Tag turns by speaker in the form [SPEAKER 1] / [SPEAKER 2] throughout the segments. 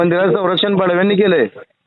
[SPEAKER 1] मंदिराचं संरक्षण बडव्यांनी केलंय.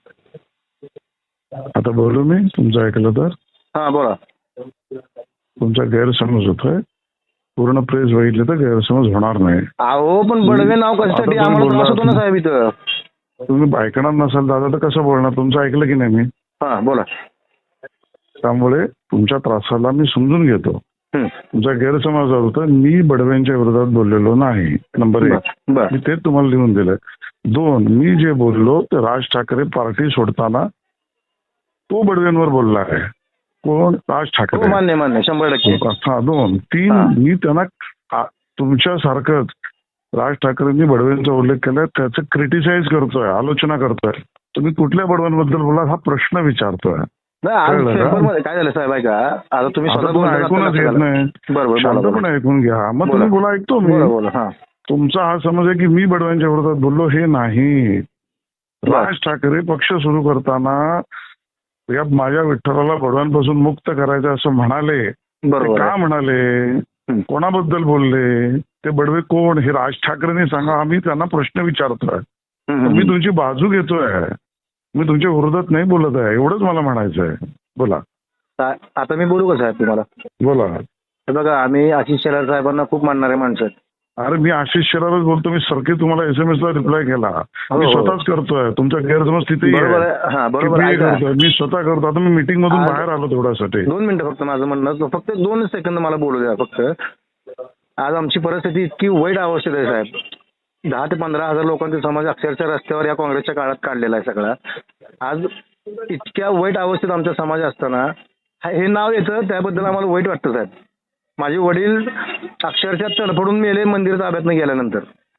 [SPEAKER 2] आता बोलू मी तुमचं ऐकलं तर
[SPEAKER 1] हा बोला.
[SPEAKER 2] तुमचा गैरसमज होतोय. पूर्ण प्रेस बघितले तर गैरसमज होणार नाही.
[SPEAKER 1] अहो पण बडवे नाव कशासाठी
[SPEAKER 2] आता तुम्ही
[SPEAKER 1] आम्हाला त्रास
[SPEAKER 2] बोलला-
[SPEAKER 1] होतो ना साहेब इथं.
[SPEAKER 2] तुम्ही ऐकणार नसाल दादा तर कसं बोलणार? तुमचं ऐकलं की नाही मी?
[SPEAKER 1] हा बोला.
[SPEAKER 2] त्यामुळे तुमच्या त्रासाला मी समजून घेतो.
[SPEAKER 1] हम्म.
[SPEAKER 2] तुमचा गैरसमज होता. मी बडव्यांच्या विरोधात बोललेलो नाही. नंबर 1
[SPEAKER 1] बर.
[SPEAKER 2] मी तेच तुम्हाला लिहून दिलं. 2 मी जे बोललो ते राज ठाकरे पार्टी सोडताना तो बडव्यांवर बोलला आहे. कोण? राज
[SPEAKER 1] हो
[SPEAKER 2] ठाकरे.
[SPEAKER 1] मान्य 100%.
[SPEAKER 2] हा 2 3
[SPEAKER 1] हा.
[SPEAKER 2] मी त्यांना तुमच्यासारखंच राज ठाकरेंनी बडव्यांचा उल्लेख केलाय त्याचं क्रिटिसाइज करतोय, आलोचना करतोय. तुम्ही कुठल्या बडव्यांबद्दल बोला हा प्रश्न विचारतोय.
[SPEAKER 1] नाही आज
[SPEAKER 2] कळलं का?
[SPEAKER 1] पेपरमध्ये काय झालं साहेब ऐका. आता तुम्ही
[SPEAKER 2] आता
[SPEAKER 1] स्वतः
[SPEAKER 2] तुम्ही
[SPEAKER 1] बोलता
[SPEAKER 2] ऐकूनच घेत नाही.
[SPEAKER 1] बरोबर
[SPEAKER 2] शांतपणे ऐकून घ्या. मग तुम्ही बोला, ऐकतो मी.
[SPEAKER 1] बोला बोला. हा
[SPEAKER 2] तुमचा हा समज आहे की मी बडव्यांच्या विरोधात बोललो, हे नाही. राज ठाकरे पक्ष सुरू करताना या माझ्या विठ्ठलाला बडव्यांपासून मुक्त करायचं असं म्हणाले. ते
[SPEAKER 1] बरोबर
[SPEAKER 2] का
[SPEAKER 1] आहे.
[SPEAKER 2] म्हणाले? कोणाबद्दल बोलले? ते बडवे कोण हे राज ठाकरेंनी सांगा. आम्ही त्यांना प्रश्न विचारतोय. मी तुमची बाजू घेतोय. मी तुमच्या विरोधात नाही बोलत आहे. एवढंच मला म्हणायचं आहे. बोला
[SPEAKER 1] आता मी बोलू का साहेब तुम्हाला?
[SPEAKER 2] बोला.
[SPEAKER 1] हे बघा आम्ही आशिष शेलार साहेबांना खूप मानणारे माणसं आहेत.
[SPEAKER 2] अरे मी आशिष शेलारच बोलतो. मी सारखे तुम्हाला SMS ला रिप्लाय केला. मी स्वतःच करतोय. तुमचा गैरसमज तिथेही
[SPEAKER 1] बरोबर
[SPEAKER 2] आहे.
[SPEAKER 1] आहे. हा बरोबर
[SPEAKER 2] कितीही
[SPEAKER 1] आहे.
[SPEAKER 2] करतोय. मी स्वतः करतो. आता मी मीटिंग मधून बाहेर आलो थोड्यासाठी.
[SPEAKER 1] 2 मिनिटं फक्त माझं म्हणणं फक्त 2 सेकंद मला बोलू द्या फक्त. आज आमची परिस्थिती इतकी वाईट अवस्थेत आहे साहेब. 10 ते 15 हजार लोकांचा समाज अक्षरशः रस्त्यावर या काँग्रेसच्या काळात काढलेला आहे सगळा. आज इतक्या वाईट अवस्थेत आमचा समाज असताना हे नाव येतं त्याबद्दल आम्हाला वाईट वाटतं साहेब. माझे वडील अक्षरशः तडफडून मेले मंदिर ताब्यातनं गेल्यानंतर.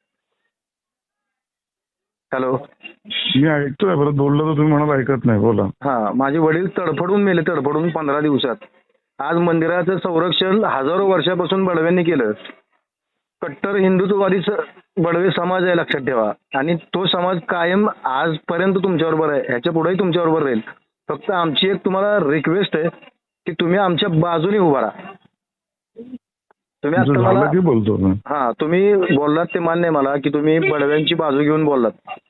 [SPEAKER 1] हॅलो
[SPEAKER 2] मी ऐकतोय. परत बोललो तर तुम्ही म्हणाल ऐकत नाही. बोला.
[SPEAKER 1] हा माझे वडील तडफडून मेले 15 दिवसात. आज मंदिराचं संरक्षण हजारो वर्षापासून बडव्यांनी केलं. कट्टर हिंदुत्ववादी बडवे समाज आहे लक्षात ठेवा. आणि तो समाज कायम आजपर्यंत तुमच्याबरोबर आहे. ह्याच्या पुढेही तुमच्याबरोबर राहील. फक्त आमची एक तुम्हाला रिक्वेस्ट आहे की तुम्ही आमच्या बाजूने उभा राहा. तुम्ही आता
[SPEAKER 2] झालं
[SPEAKER 1] मला
[SPEAKER 2] की बोलतो मी.
[SPEAKER 1] हा तुम्ही बोललात ते मान्य आहे मला की तुम्ही बडव्यांची बाजू घेऊन बोललात.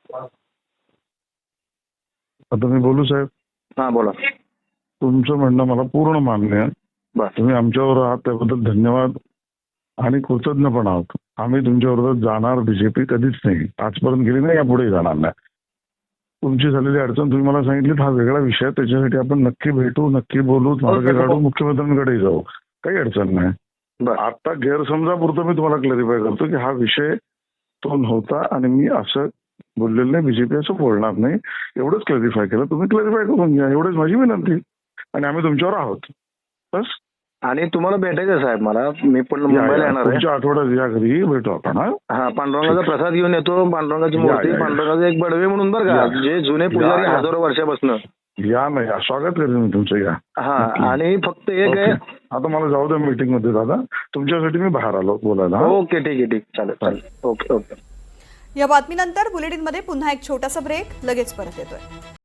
[SPEAKER 2] आता मी बोलू साहेब.
[SPEAKER 1] हा बोला.
[SPEAKER 2] तुमचं म्हणणं मला पूर्ण मान्य आहे.
[SPEAKER 1] बर.
[SPEAKER 2] तुम्ही आमच्यावर आहात त्याबद्दल धन्यवाद आणि कृतज्ञ पण आहोत. आम्ही तुमच्या विरोधात जाणार बीजेपी कधीच नाही. आजपर्यंत गेली नाही, यापुढे जाणार नाही. तुमची झालेली अडचण तुम्ही मला सांगितली हा वेगळा विषय. त्याच्यासाठी आपण नक्की भेटू, नक्की बोलू, मार्ग काढू, मुख्यमंत्र्यांकडे जाऊ. काही अडचण नाही. आता गैरसमजापुरतं मी तुम्हाला क्लॅरिफाय करतो की हा विषय तो नव्हता आणि मी असं बोललेलं नाही. बीजेपी असं बोलणार नाही. एवढंच क्लॅरिफाय केलं. तुम्ही क्लॅरिफाय करून घ्या. एवढंच माझी विनंती. आणि आम्ही तुमच्यावर आहोत. बस.
[SPEAKER 1] आणि तुम्हाला भेटायचं साहेब मला. मी पण मुंबईला येणार आहे.
[SPEAKER 2] पुढच्या आठवड्यात या घरी भेटू आपण.
[SPEAKER 1] हा पांडुरंगाचा प्रसाद घेऊन येतो. पांडुरंगाची मूर्ती, पांडुरंगाचा एक बडवे म्हणून बरं का, जे जुने पुजारी हजारो वर्षापासून.
[SPEAKER 2] या ना या. स्वागत करेन मी तुमचं. या.
[SPEAKER 1] हा आणि फक्त एक आहे.
[SPEAKER 2] आता मला जाऊ द्या मीटिंग मध्ये दादा. तुमच्यासाठी मी बाहेर आलो बोलायला.
[SPEAKER 1] ओके ठीक आहे. ठीक चालेल. ओके.
[SPEAKER 3] या बातमीनंतर बुलेटिनमध्ये पुन्हा एक छोटासा ब्रेक. लगेच परत येतोय.